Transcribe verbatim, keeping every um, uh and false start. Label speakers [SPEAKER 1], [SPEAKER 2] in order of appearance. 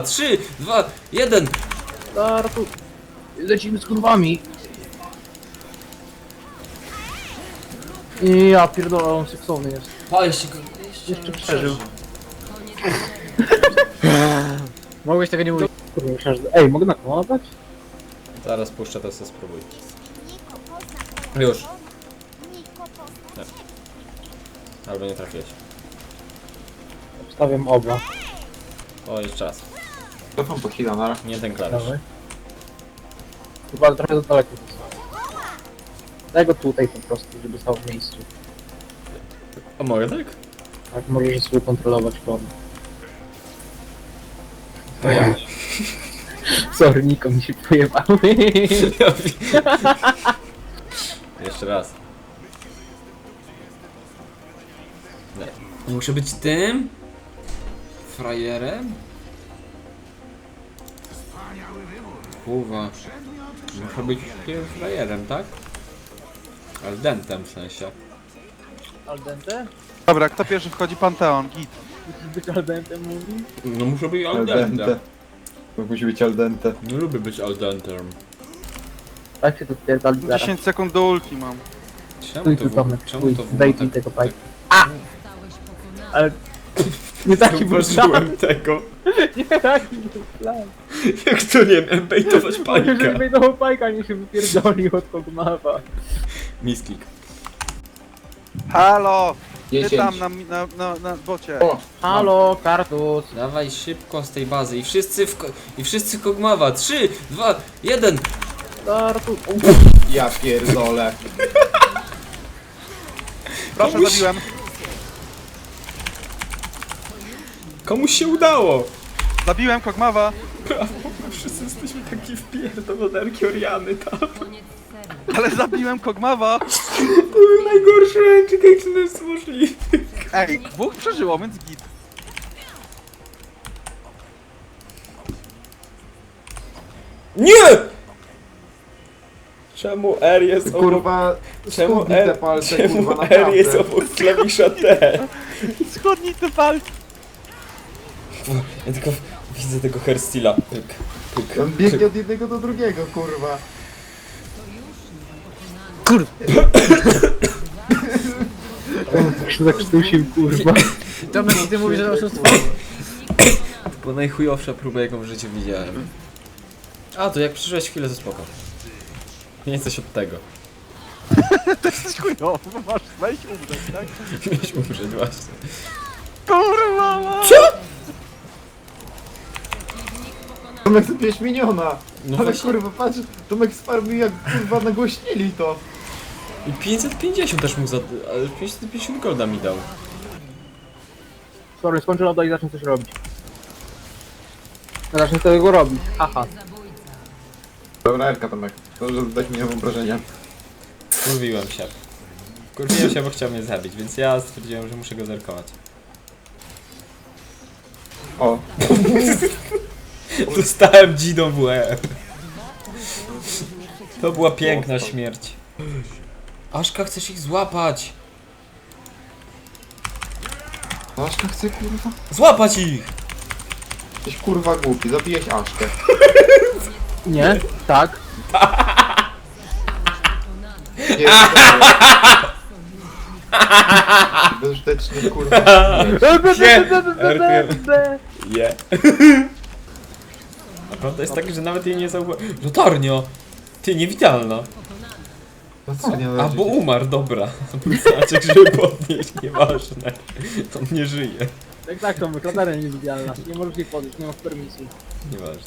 [SPEAKER 1] Trzy, dwa, jeden.
[SPEAKER 2] Startu. Lecimy z kurwami. I ja pierdolę, on seksowny jest.
[SPEAKER 1] Pa, jeszcze,
[SPEAKER 2] Jeszcze przeżył. Mogłeś tego nie mówić. Kurde, myślałem, że... Ej, mogę nakłamać?
[SPEAKER 1] Zaraz puszczę, to sobie spróbuj. Już. Nie. Albo nie trafiłeś.
[SPEAKER 2] Obstawiam oba.
[SPEAKER 1] O, jeszcze raz.
[SPEAKER 3] To pan pochila, na
[SPEAKER 1] Nie ten klawisz.
[SPEAKER 2] Dawaj. Chyba trochę za daleko jest. Daj go tutaj po prostu, żeby stał w miejscu.
[SPEAKER 1] A mogę tak?
[SPEAKER 2] Tak możesz sobie kontrolować formę. To ja. Sorry, Niko, mi się pojebały.
[SPEAKER 1] Jeszcze raz. Nie. Muszę być tym? Frajerem? Kurwa. Muszę być tym frajerem, tak? Aldentem w sensie.
[SPEAKER 2] Aldente?
[SPEAKER 4] Dobra, kto pierwszy wchodzi? Panteon, git.
[SPEAKER 2] Musisz być aldentem, mówi?
[SPEAKER 1] No muszę być
[SPEAKER 3] al dente.
[SPEAKER 1] aldentem.
[SPEAKER 3] To musi być al dente.
[SPEAKER 1] Nie lubię być aldentem.
[SPEAKER 2] Tak się tu pierdoli zaraz.
[SPEAKER 4] dziesięć sekund do ulti mam.
[SPEAKER 1] Czemu
[SPEAKER 2] Stój
[SPEAKER 1] to
[SPEAKER 2] tu,
[SPEAKER 1] w-
[SPEAKER 2] Tomek,
[SPEAKER 1] czemu
[SPEAKER 2] stój.
[SPEAKER 1] to w-
[SPEAKER 2] Daj
[SPEAKER 1] tak-
[SPEAKER 2] mi tego pajka. A! Ale... Nie taki był plan.
[SPEAKER 1] Zauważyłem tego.
[SPEAKER 2] Nie taki był plan.
[SPEAKER 1] Jak to nie wiem, bejtować
[SPEAKER 2] Żeby
[SPEAKER 1] panika.
[SPEAKER 2] wejdował pajka, nie się wypierdolił od Kogmawa.
[SPEAKER 1] Misklik.
[SPEAKER 4] Halo! Ty
[SPEAKER 3] dziesięć.
[SPEAKER 4] tam na, na, na, na bocie.
[SPEAKER 3] O!
[SPEAKER 2] Halo, kartus.
[SPEAKER 1] Dawaj szybko z tej bazy i wszyscy w ko- i wszyscy Kogmawa. Trzy, dwa, jeden.
[SPEAKER 2] Kartus.
[SPEAKER 3] Ja pierdolę.
[SPEAKER 4] Proszę,
[SPEAKER 1] komuś-
[SPEAKER 4] zabiłem.
[SPEAKER 1] Komuś się udało.
[SPEAKER 4] Zabiłem Kogmawa.
[SPEAKER 1] Brawo, wszyscy jesteśmy taki wpierdolonerki Oriany tam.
[SPEAKER 4] Ale zabiłem Kogmawa.
[SPEAKER 1] To był najgorszy ręczyk, jaki to jest możliwy.
[SPEAKER 4] Ej, dwóch przeżyło, więc git.
[SPEAKER 1] Nie! Czemu R jest obok...
[SPEAKER 3] Kurwa,
[SPEAKER 1] Czemu
[SPEAKER 3] skubnij te
[SPEAKER 1] R,
[SPEAKER 3] palce,
[SPEAKER 1] czemu
[SPEAKER 3] kurwa,
[SPEAKER 1] R jest
[SPEAKER 3] naprawdę.
[SPEAKER 1] obok klawisza T?
[SPEAKER 4] Schodnij te palce.
[SPEAKER 1] Ja tylko widzę tego hairstyla. Pyk, pyk,
[SPEAKER 3] On biegnie od jednego do drugiego, kurwa.
[SPEAKER 2] Jak się zakrztusił, kurwa. Tomek, ty mówisz, że oszustwo.
[SPEAKER 1] To była najchujowsza próba, jaką w życiu widziałem. A, to jak przyszłeś chwilę, to spoko. Nie coś od tego.
[SPEAKER 4] To jesteś chujowo, masz wejść umrzeć, tak?
[SPEAKER 1] Miałeś umrzeć właśnie.
[SPEAKER 4] Kurwa!
[SPEAKER 3] Tomek zabiłeś miniona.
[SPEAKER 1] No
[SPEAKER 3] Ale
[SPEAKER 1] właśnie.
[SPEAKER 3] kurwa, patrz, Tomek sparmił jak kurwa nagłośnili to.
[SPEAKER 1] I pięćset pięćdziesiąt też mu za... ale pięćset pięćdziesiąt golda mi dał.
[SPEAKER 2] Sorry, skończę loda i zacznę coś robić. Zacznę tego robić, haha.
[SPEAKER 3] Dobra, Erka Tomek. To, że dać mi wyobrażenia.
[SPEAKER 1] Kurwiłem się. Kurwiłem się, bo chciał mnie zabić, więc ja stwierdziłem, że muszę go zerkować.
[SPEAKER 3] O,
[SPEAKER 1] Dostałem dzidą w łeb. To była piękna śmierć. Aszka, chcesz ich złapać!
[SPEAKER 3] Aszka chce kurwa?
[SPEAKER 1] Złapać ich!
[SPEAKER 3] Jesteś kurwa głupi, zabijesz Aszkę.
[SPEAKER 2] Nie? Tak.
[SPEAKER 3] Bezużyteczny kurwa.
[SPEAKER 1] Je. A prawda jest taka, że nawet jej nie zauważyłem. Latarnia! Ty, niewidzialna.
[SPEAKER 3] No co nie
[SPEAKER 1] A, bo umarł, dobra. Znaczek, żeby podnieść, nieważne. On nie żyje.
[SPEAKER 2] Tak, tak, Tomek, latarnia niewidzialna. Nie możesz jej podejść, nie masz permisji.
[SPEAKER 1] Nieważne.